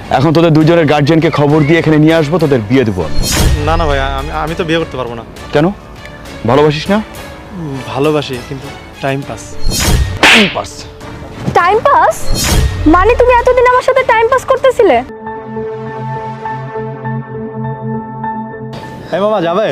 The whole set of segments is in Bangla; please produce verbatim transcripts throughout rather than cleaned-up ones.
এখন তোদের দুজনের গার্জিয়ানকে খবর দিয়ে এখানে নিয়ে আসবো, তোদের বিয়ে দেবো। না না ভাই, আমি আমি তো বিয়ে করতে পারবো না। কেন? ভালোবাসিস না? ভালোবাসি, কিন্তু time pass. Time pass? Time pass মানে তুমি এতদিন আমার সাথে টাইম পাস করতেছিলে? হ্যাঁ মামা, যাবে?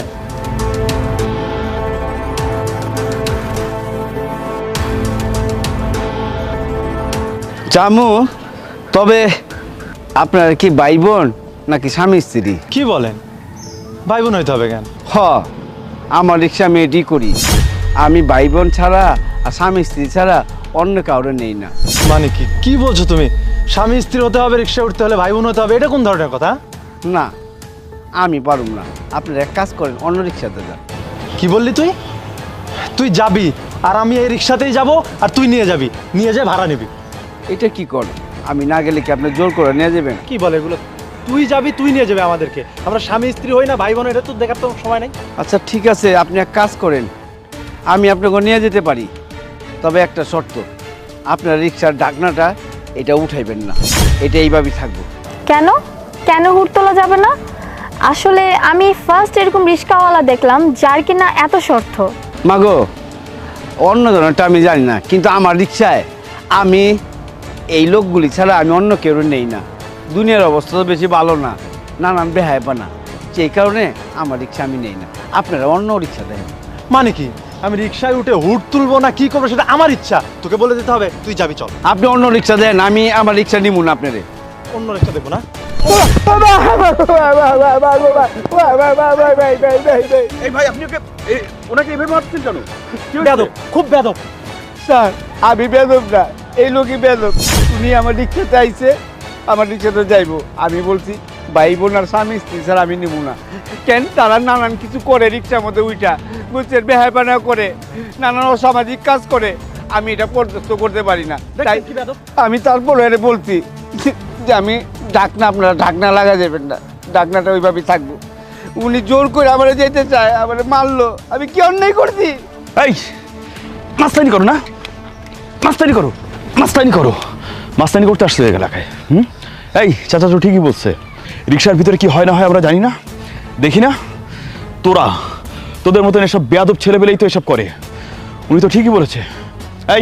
জামু, তবে আপনার কি ভাই বোন নাকি স্বামী স্ত্রী? কি বলেন? ভাই বোন হইতে হবে কেন? হ, আমার রিক্সা আমি এডি করি। আমি ভাই বোন ছাড়া আর স্বামী স্ত্রী ছাড়া অন্য কাউরে নেই না। মানে কি কি বলছো তুমি? স্বামী স্ত্রী হতে হবে, রিক্সা উঠতে হলে ভাই বোন হতে হবে, এটা কোন ধরনের কথা? না, আমি পারুম না। আপনারা এক কাজ করেন, অন্য রিক্সাতে যান। কি বললি তুই? তুই যাবি আর আমি এই রিক্সাতেই যাব, আর তুই নিয়ে যাবি, নিয়ে যায় ভাড়া নিবি। এটা কি করেন? আমি না গেলে কি আপনি জোর করে নিয়ে যাবেন? কি বলে এগুলো? তুই যাবি, তুই নিয়ে যাবে আমাদেরকে। আমরা স্বামী স্ত্রী হই না, ভাই বোন, এটা তো দেখার তো সময় নেই। আচ্ছা ঠিক আছে, আপনি এক কাজ করেন, আমি আপনাকে নিয়ে যেতে পারি, তবে একটা শর্ত, আপনার রিক্সার ডাকনাটা এটা উঠাইবেন না, এটা এইভাবেই থাকবো। কেন কেন হুট তোলা যাবে না? আসলে আমি ফার্স্ট এরকম রিক্সাওয়ালা দেখলাম যার কিনা এত শর্ত। মাগো, অন্য ধরনেরটা আমি জানি না, কিন্তু আমার রিক্সায় আমি এই লোকগুলি ছাড়া আমি অন্য কেউ নেই না। দুনিয়ার অবস্থা তো বেশি ভালো না, নানান বেহায়পানা, সেই কারণে আমার রিক্সা আমি নেই না। আপনারা অন্য রিক্সা দেন। মানে কি? আমি রিক্সায় উঠে হুট তুলবো না কি করবো সেটা আমার ইচ্ছা, তোকে বলে দিতে হবে তুই যাবি, চল। আপনি অন্য রিক্সা দেন, আমি আমার রিক্সা নিব না আপনারে। অন্য রিক্সা দেখবো না? এই ভাই, আপনি ওকে ওনাকে এভাবে মারছেন কেন? বেয়াদব, খুব বেয়াদব। স্যার, আমি বেদব না, এই লোকই বেদব। উনি আমার রিক্সাতে আইছে, আমার রিক্সাতে যাইবো। আমি বলছি ভাই বোন আর স্বামী স্ত্রী স্যার আমি নিব না। কেন? তারা নানান কিছু করে রিক্সার মধ্যে উইটা, বুঝছেন, বেহায়পানা করে, নানান অসামাজিক কাজ করে। আমি এটা বরদাস্ত করতে পারি না, তাই কি বেয়াদব? আমি তারপরে এটা বলছি যে আমি ঢাকনা, আপনারা ঢাকনা লাগা যাবেন না, ঢাকনাটা ওইভাবেই থাকবো। উনি জোর করে আমার যেতে চায়, আমার মারলো। আমি কি অন্যায় করছি? এই মাস্তানি করো না, মাস্তানি করো, মাস্তানি করো, মাস্তানি করতে আসছে এলাকায়। হুম, এই চাচা তো ঠিকই বলছে, রিক্সার ভিতরে কি হয় না হয় আমরা জানি না, দেখি না। তোরা তোদের মতন এসব বেয়াদব ছেলেবেলেই তো এসব করে। উনি তো ঠিকই বলেছে। এই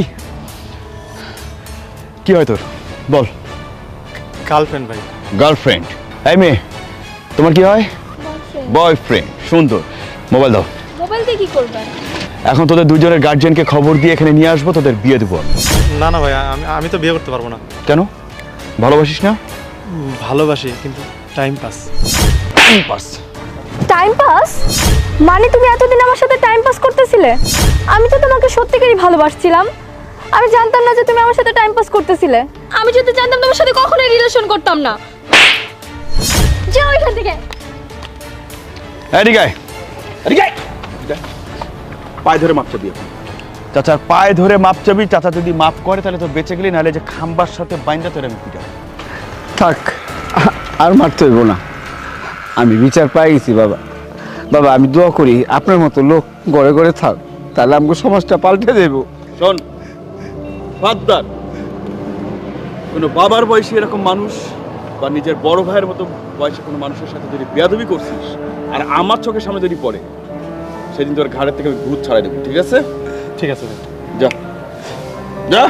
কি হয় তোর, বল। গার্লফ্রেন্ড ভাই। গার্লফ্রেন্ড? এই মেয়ে, তোমার কি হয়? বয়ফ্রেন্ড। সুন্দর, মোবাইল দাও। মোবাইল দিয়ে কি করবেন? এখন তোদের দুজনের গার্জিয়ানকে খবর দিয়ে এখানে নিয়ে আসবো, তোদের বিয়ে দেবো। না না ভাই, আমি আমি তো বিয়ে করতে পারবো না। কেন? ভালোবাসিস না? ভালোবাসি, কিন্তু time pass. Time pass? Time pass মানে তুমি এতদিন আমার সাথে টাইম পাস করতেছিলে? আমি তো তোমাকে সত্যিকারই ভালোবাসছিলাম। আমি জানতাম না যে তুমি আমার সাথে টাইম পাস করতেছিলে। আমি যদি জানতাম তোমার সাথে কখনোই রিলেশন করতাম না। যাও এখান থেকে। এদিকে আয়, এদিকে আয়। পায়ে ধরে মাপ চাবি। চাচার পায়ে ধরে মাপ চাবি। চাচা যদি মাপ করে তাহলে তো বেঁচে গেলি, নাহলে যে খাম্বার সাথে বাইন্দা তোর আমি পিটা। থাক, আর মারতে হইব না, আমি বিচার পাই গেছি। বাবা বাবা আমি দোয়া করি আপনার মতো লোক ঘরে ঘরে থাক, তাহলে আমাকে সমাজটা পাল্টে দেব। শোন বাদদার, কোনো বাবার বয়সী এরকম মানুষ বা নিজের বড় ভাইয়ের মতো বয়সে কোনো মানুষের সাথে যদি বেয়াদবি করছিস আর আমার চোখের সামনে যদি পড়ে, সেদিন তোর ঘাড়ের থেকে আমি ভূত ছাড়াই দেবো, ঠিক আছে? ঠিক আছে ভাই। যা যা।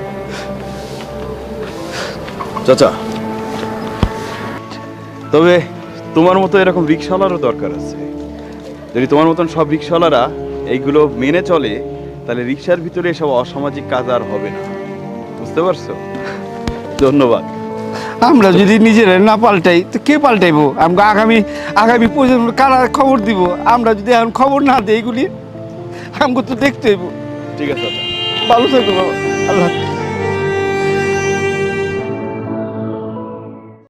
চাচা, তবে তোমার মতো এরকম রিক্সাওয়ালারও দরকার আছে। যদি তোমার মতন সব রিক্সাওয়ালারা এইগুলো মেনে চলে, তাহলে রিক্সার ভিতরে এসব অসামাজিক কাজ আর হবে না, বুঝতে পারছো? ধন্যবাদ। আমরা যদি নিজেরা না পাল্টাই তো কে পাল্টাইবো? আমাকে আগামী আগামী প্রজন্ম কারা খবর দিব? আমরা যদি এখন খবর না দিই এগুলি, আমাকে তো দেখতে হইব। ঠিক আছে চাচা। ভালো থাকবো বাবা, আল্লাহ হাফেজ।